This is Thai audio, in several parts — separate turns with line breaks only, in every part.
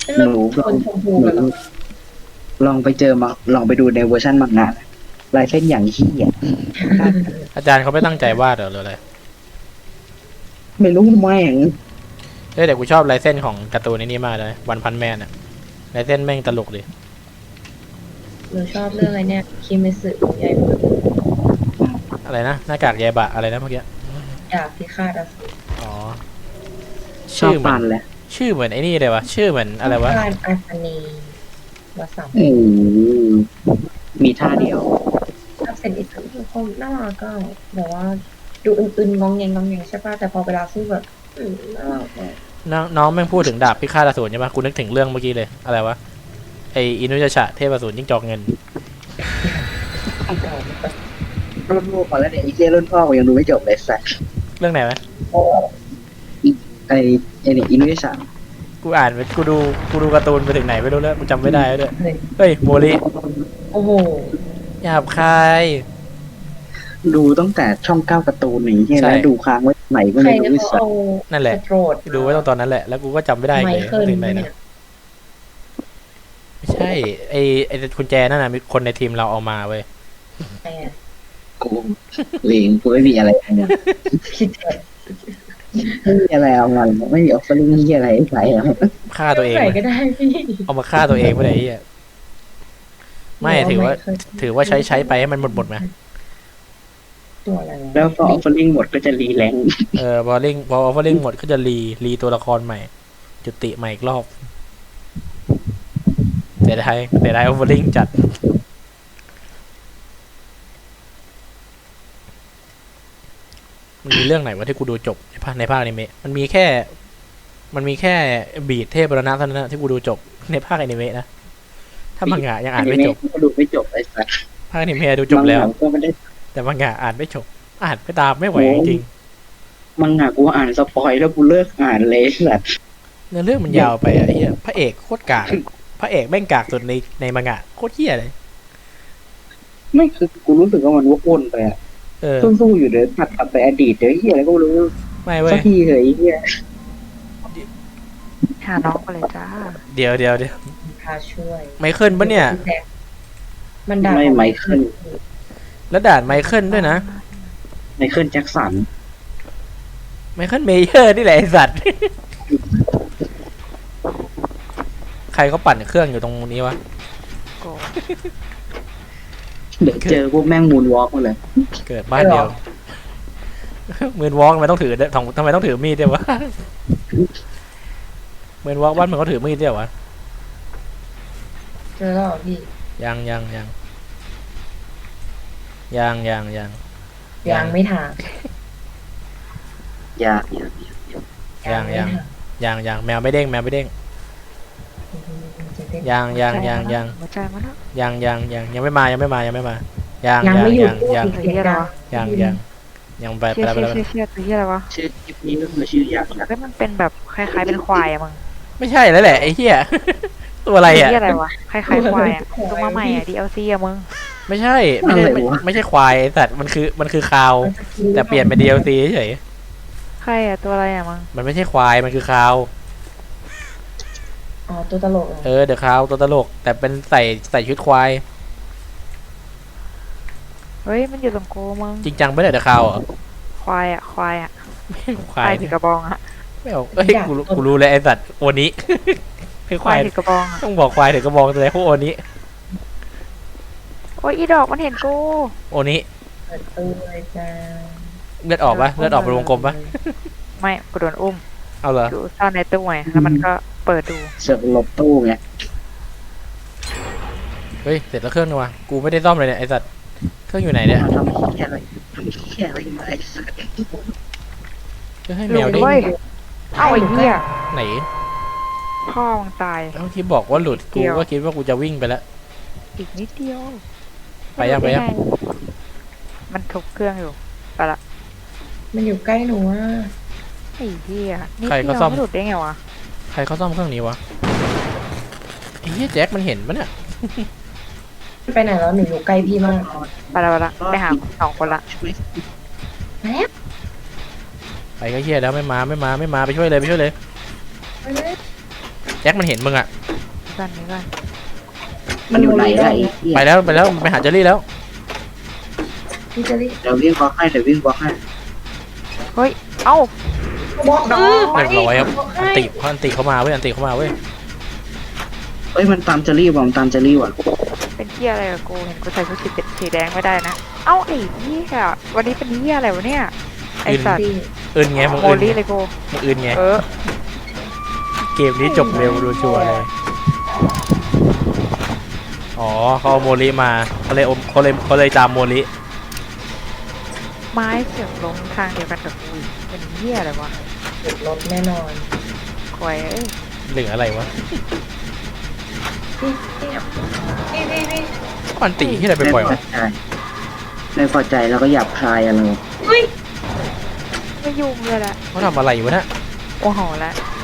ห
เลือก
นูลอง
คนชมพู
หนู
กันหรอ
ลองไปเจอมาลองไปดูในเวอร์ชันมังงะลายเส้นอย่างขี้อ่ะ
อาจารย์เขาไม่ตั้งใจวาดเหรอหรืออะไร
ไม่รู้แม่ง
เฮ้ยแต่กูชอบลายเส้นของการ์ตูนนี้มากเลยวันพันแมนอะลายเส้นแม่งตลกดิ
หนูชอบเรื่องอะไรเนี่ยคิเมสึใหญ่มาก
อะไรนะหน้ากากแยบะอะไรนะเมื่อกี้
ดาบพิฆาตอสูร
อ๋อ
ชอบ
ชื่อเหมื
ปั
อน
นแหละ
ชื่อเหมือนไอ้นี่เลยวะชื่อเหมือนอะไรวะ
พิฆาตอาสนีวสัม
มีท่าเดียว
ชอบเซนอิสึคือคนน่ารักก็แบบว่าดูอึนๆงองแงงงองแงงใช่ป่ะแต่พอเวลาสู้แบบน่ารักเลย
น้องแม่งพูดถึงดาบพิฆาตอสูรใช่ปะกูนึกถึงเรื่องเมื่อกี้เลยอะไรวะไออินุยาชะเทพอสูรจิ้งจอกเงิน
รุ่นพ่อก่อนแล้วเนี่ยไอ้เจ้รุ่นพ่อกูยังดูไม่จบเลยสัส
เรื่องไหนวะ
ไอ้เนี่ยอินุยะชะ
กูอ่านไปกูดูการ์ตูนไปถึงไหนไม่รู้แล้วกูจำไม่ได้แล้วด้วย
เลย
เฮ้ยโมริ
โอ้โห
หยาบคาย
ดูตั้งแต่ช่องเก้าการ์ตูนอย่างเงี้ย
ใช่
แล้วดูค้างไว้ไหนก็
ใคร
ไม่รู้
เขา
สัส
เอา
นั่นแหละ
สโตรด
ดูไว้ตอนนั้นแหละแล้วกูก็จำไม่ได้
ไม
เลย
เคิล
ถึงไหน
เนี่
นะ
ย
ไม่ใช่ไอกุญแจนั่นนะมีคนในทีมเราเอามาเว้ย
ใครอ่ะ
กูเลงกูไม่มีอะไรเนี่ย
คิดเถอะ
ไม่มีอะไรเอามาไม่มีออฟเฟอร์ลิงที่อะไรใส่แล้ว
ฆ่าตัวเอง
ใส่
เลย
ก็ได้พี่
เอามาฆ่าตัวเองไม่ได้ไอ้เหี้ยไม่ถือว่าใช้ไปให้มันหมดไหม
ตัวอะไรวะ
แล้วพอออฟเฟอร์ลิงหมดก็จะรีแรง
พอออฟเฟอร์ลิงหมดก็จะรีตัวละครใหม่ จุติใหม่อีกรอบเสียดายออฟเฟอร์ลิงจัดมันมีเรื่องไหนวะที่กูดูจบในภาคอนิเมะมันมีแค่บีดเทพบรณะเท่านั้นนะที่กูดูจบในภาคอนิเมะนะถ้ามังงะยังอ่านไม่จบ
ก็ดูไม่จบไอ้สัส
ภาคอนิเมะดูจบแล้ว
ก็ไม่ได้
แต่มังงะอ่านไม่จบอ่านไม่ตามไม่ไหวจริง
มังงะกูอ่านสปอยแล้วกูเลิกอ่านเลยสัส
เนื้อเรื่องมันยาวไปอะไอ้เหี้ยพระเอกโคตรกากพระเอกแม่งกากสุดในมังงะโคตรเหี้ยเลย
ไม่คือกูรู้สึกว่ามันวกวนไปอะ สู้ๆอยู่เดี๋ยวตัดกลับไปอดีตเดี๋ยวเฮียอะไรก็ไม่รู้
ไม่เว้
สั
ย
กทีเลยไอ้เฮีย
หาน้องมาเลยจ้า
เดี๋ยว
พาช่วย
ไมเคิลปะเนี่ย
มันด่า
ไม่ไมเคิล
แล้วด่านไมเคิลด้วยนะ
ไมเคิลแจ็คสัน
ไมเคิลเมเยอร์นี่แหละไอสัตว์ ใครเขาปั่นเครื่องอยู่ตรงนี้วะ
โก
เดี๋ยวเจอพวกแม่งมูนวอล์กมาเลย
เกิดบ้านเดียวมือนวอล์กทำไมต้องถือทำไมต้องถือมีดเดียววะมือนวอล์กบ้านมันก็ถือมีดเดียววะ
เจอแล้วเหรอพี่
ยัง
ยังไม่ถาม
อย่า
ยังแมวไม่เด้งยัง
หัวใจมาแล้ว
ยังไม่มายัง
ไม่หยุด
ยังไป
เชี่ย
แล้ว
ตัวเชี่ยอะไรวะ
ชื่อคลิปนี้ก็คือชื่ออยากนะ
เฮ้ยมันเป็นแบบคล้ายๆเป็นควายอะมึง
ไม่ใช่แล้วแหละไอ้เหี้ย ตัวอะไรอ่ะ
เชี่ยอะไรวะคล้ายๆควายอะตัวมาใหม่อะ DLC อะมึง
ไม่ใช่ควายไอ้สัตว์มันคือคาว แต่เปลี่ยนเป็น DLC เฉย
ใครอะตัวอะไรอะมึง
มันไม่ใช่ควายมันคือคาว
อ๋อตัวตลกเหรอ
เดอะคาวตัวตลก แต่เป็นใส่ชุดควาย
เฮ้ยมันอยู่ตรงโกมึง
จริงจังไม่ได้เดอะคาวเหรอ
ควายอะควาย
ควาย
ถือกระบองอะ
ไม่เอากูรู้เลยไอ้สัตว์โอนี้ คือควาย
ถือกระบองอะ
ต้องบอกควายถึงกระบอกเลยพวกโอนี้
โอ้ยอีดอกมันเห็นกู
โอนี้
เปิดตัวเลยจ้า
เลือดออกปะเลือดออกเป็นวงกลมปะ
ไม่กูโดนอุ้ม
เอาเหรอ
อยู่ซ่อนในตู้ไงแล้วมันก็เปิดดู
เสือกหลบตู้ไง
เฮ้ยเสร็จแล้วเครื่องนึงวะกูไม่ได้ซ่อมเลยเนี่ยไอ้สัตว์เครื่องอยู่ไหนเนี่ย
ทำเฮียอะไรมาไอ้สัส
จะให้
ห
แม
ลุ
ว
ด
ดิ
เว้ยเอ้าไอ้เหี้ย
ไหน
พ่อมึงตาย
เมื่อกี้บอกว่าหลุด
เดี
กู
ยว
ก็คิดว่ากูจะวิ่งไปแล้ว
อีกนิดเดียว
ไปยัง
มันทุบเครื่องอยู่ไปละ
มันอยู่ใกล้หนูอ่ะ
ไอ้เหี้ยนี่
ใคร
เดี
ก็
ยว
ซ่อม
ไม่หลุดได้ไงวะ
ใครเขาซ่อมเครื่องนี้วะไอ้เหี้ยแจ็คมันเห็นปะเนี่ย
ไปไหนแล้วหนูอยู่ใกล้พี่มาก
ไปละไปหา2 คนละ
แล้ว
ไปก็เหี้ยแล้วไม่มาไปช่วยเลย
ไปเลย
แจ็คมันเห็นมึงอะ
ก่อนนี้ก่อน
มันอยู่ไหนล่ะไอ้เหี้ย
ไปแล้วไปหาเจอรี่แล้ว
พี่จะรีบ
เดี๋ยววิ่งบล็อกให้เดี๋ยววิ่งบล็อกให้
เฮ้ย เอ้า
บอกน้อง
เรียบร้อยครับอันติเข้ามาเว้ยอันติเข้ามาเว้ย
เอ้ยมันตามเจอรี่ว่ะมันตามเจอรี่ว่ะ
เป็นเหี้ยอะไรกับกูเห็นกูใส่ชุดสีแดงไม่ได้นะ เอ้าไอ้เหี้ยวันนี้เป็นเหี้ยอะไรวะเนี่ย ไอ้สัตว์
อื่นไงมึง
โม
อื่น
ลี่เลยกู
มึงอื่นไง
เออ
เกมนี้จบเร็วดูชัวร์เลยอ๋อเขาเอาโมลิมาเขาเลยจามโมลิ
ไม้เสียงลงทางเดียวกันกับกูอีกเป็นเหี้ยอะไรวะ
ติดรถแน่นอน
ควยเอ้ย
หรืออะไรวะ
พี่
อันติที่อะไรไปปล่อยวะ
ไม่พอใจแล้วก็หยาบคายอะไร
เฮ้ย
ไม่ยุ่งเลยละ
เขาทำอะไรอยู่วะเนี่ย
โอ้โหละ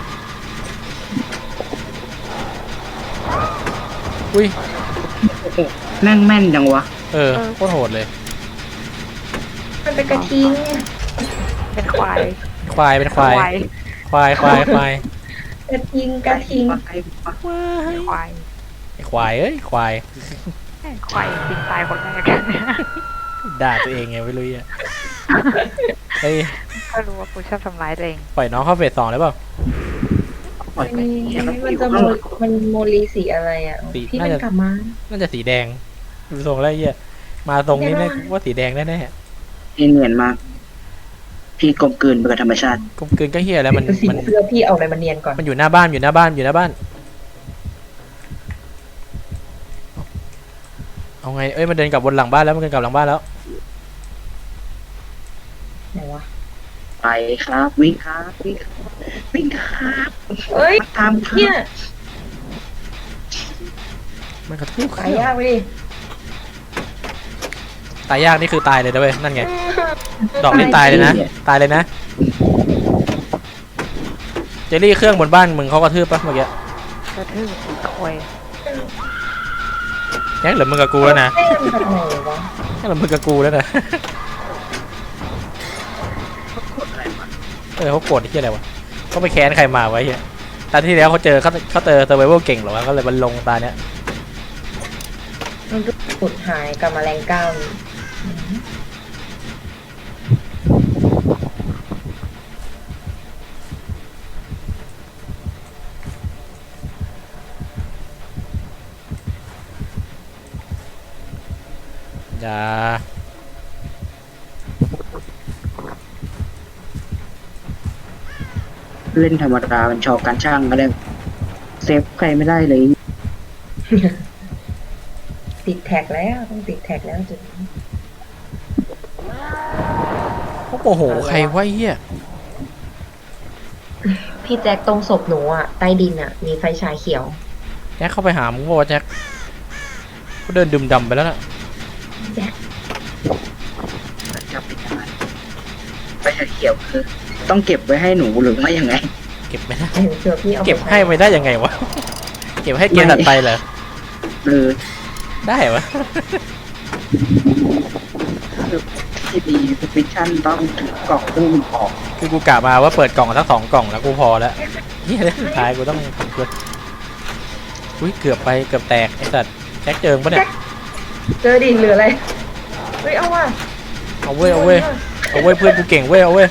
อุ้ย
แม่งแม่นจังวะ
เออโคตรโหดเลย
มันเป็นกระทิง
เป็นควาย
ควายเป็นควายควาย
กระทิง
ควาย
ไอ้ควายเอ้ยควาย
แม่งควายจริงตายคนแรก
ด่าตัวเองไงไม่รู้อ่ะเฮ้ย
ก็รู้ว่ากูชอบทำร้ายตัวเอง
ปล่อยน้องเข้าเฟส 2เลยเปล่า
ปล่อยไป
มันจะมันโมลีสีอะไรอ่ะ
สี
พี่
น่า
มัน
จะ
กลับมา
น่าจะสีแดงดูทรงแล้วไอ้เหี้ยมาทรงนี้
แน่
แน่
นอน
ว่าสีแดงแน่
นี่เนียนมาก พี่กลมกลืนไปกับธรรมชาติ
ๆกลมกลืนก็เฮียแล้วมัน
สีเสื้อพี่เอาอะไรมาเนียนก่อน
มันอยู่หน้าบ้านอยู่หน้าบ้านเอาไงเอ้ยมันเดินกลับบนหลังบ้านแล้วมันเดินกลับหลังบ้านแล้ว
ไหนวะ
ไปครับวิ่งครับวิ่งครับ
เอ้ย
ตามครับ
เนี่ย
มันกระทืบ
ขายยากไปดิ
ตายยากนี่คือตายเลยนะเว้ยนั่นไงดอกนี่ตายเลยนะตายเลยนะเจลลี่เครื่องบนบ้านมึงเขากระทืบปะเมื่อกี้
กระทืบควาย
แจ็คเหลือมึงกับกูแล้วนะ
เต้นแบบไหนวะ
แจ็คเหลือมึงกับกูแล้วนะเขาโกรธที่อะไรวะเขาไปแค้นใครมาไว้เฮียตอนที่แล้วเขาเจอเซอร์ไวเวลเก่งเหรอวะก็เลยมันลงตาเนี้ย
มันก็สุดหายกับแมลงก้าวนี่
อย่า
เล่นธรรมดามันชอบการช่างก็เลยเซฟใครไม่ได้เลย
ติดแท็กแล้วต้องติดแท็กแล้วจุดนี้
เขาโมโหใครวะเฮีย
พี่แจ็คตรงศพหนูอ่ะใต้ดินอ่ะ มีไฟฉายเขียว
แจ็คเข้าไปหามึงบอกว่าแจ็คเขาเดินดื่มดำไปแล้วน่ะ
จะเป็นยังไงไปเขียวคือต้องเก็บไว้ให้หนูหรือไม่ยังไง
เก็บไม่ได้
เห็นเสือพี่เอา
เก็บให้ไม่ได้ยังไงวะเก็บให้เกมตัดไปเหรอ
เออ
ได้วะ
ที่ดีฟิชชั่นต้องถือกล่องตู้มันออก
คือกูกะมาว่าเปิดกล่องทั้ง2 กล่องแล้วกูพอแล้วเฮียสุดท้ายกูต้องเอุ้ยเกือบไปเกือบแตกไอ้สัตว์แจ็คเจิงปะเนี่ย
เจอดินหรืออะไรเฮ้ยเอาว่ะ
เอาเว้ยเพื่อนกูเก่งเว้ยเอาเว้ย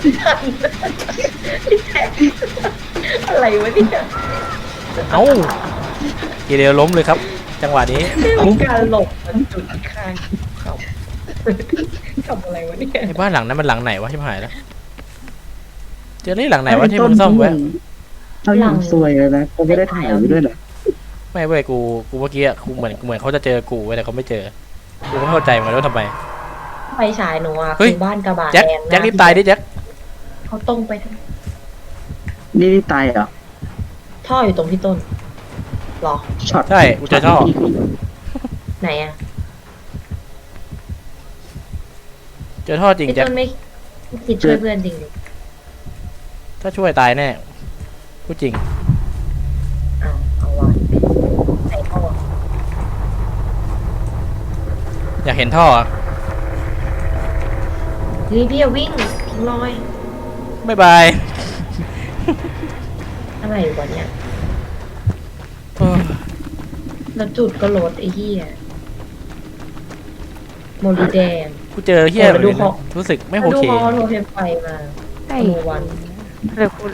อะไรวะเนี่ย
เอาทีเดียวล้มเลยครับ จังหวะนี้
มีการหลบมันจุดข้างเขาทำอะไรวะเนี่ย
ไอ้บ้านหลังนั้นมันหลังไหนวะชิบหายแล้วเจอนี่หลังไหนวะที่มึงซ่อมไว้
เขาอย่างซวยเลยนะเขาไม่ได้ถ่ายไว้ด้วยเหรอ
ไม่เว้ยกูเมื่อกี้อะกูเหมือนเขาจะเจอกูเว้ยแต่เขาไม่เจอกูไม่เข้าใจเหมือนกันว่าทำไม
ไฟฉายหนูอ่ะ
เฮ้ย
คือบ้านกระบะ
แจ็ค
แดง
แจ็ครีบตายดิแจ็ค
เขาตรงไปทาง
นี่ตายเหรอ
ท่ออยู่ตรงพี่ต้นหรอ
ช็อต
ใช่กูเจอท่อ
ไหนอ่ะ
เจอท่อจริง
พี่
แจ็ค
ต้นไม่คิดช่วยเพื่อนจริงดิ
ถ้าช่วยตายแน่พูดจริง
เอาวะไหนท่อ
อยากเห็นท่ออะ
เฮ้ยพี่อย่าวิ่งทิ้งรอย
บ๊ายบาย
อะไรวะเนี่ยแล้วจุดก็ลดไอ้เหี้ยโมลิแดง
กูเจอเฮียแบบนี้
ดูของ
รู้สึกไม่โอ
แล้วดู
เค
ฮอโทรเทมไฟมา
ไอ้
โนวัน
เลยพูด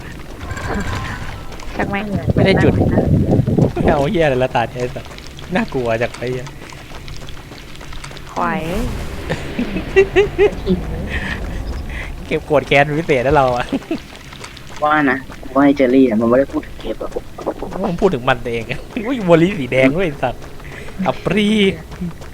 จากแม่ง
ไม่ได้จุด ไม่เอาเฮียอะไรละตาเนี่ยสัตว์น่ากลัวจากไอ้เหี้ย
ควาย
กิน
เก็บกดแค้นเป็นพิเศษแล้วเราอะ
ว่านะว่าไอ้เจอรี่มันไม่ได้พูดถึงเก็บหรอก
ผมพูดถึงมันเองอุ้ยโมลิสีแดงด้วยไอ้สัตว์อัปรี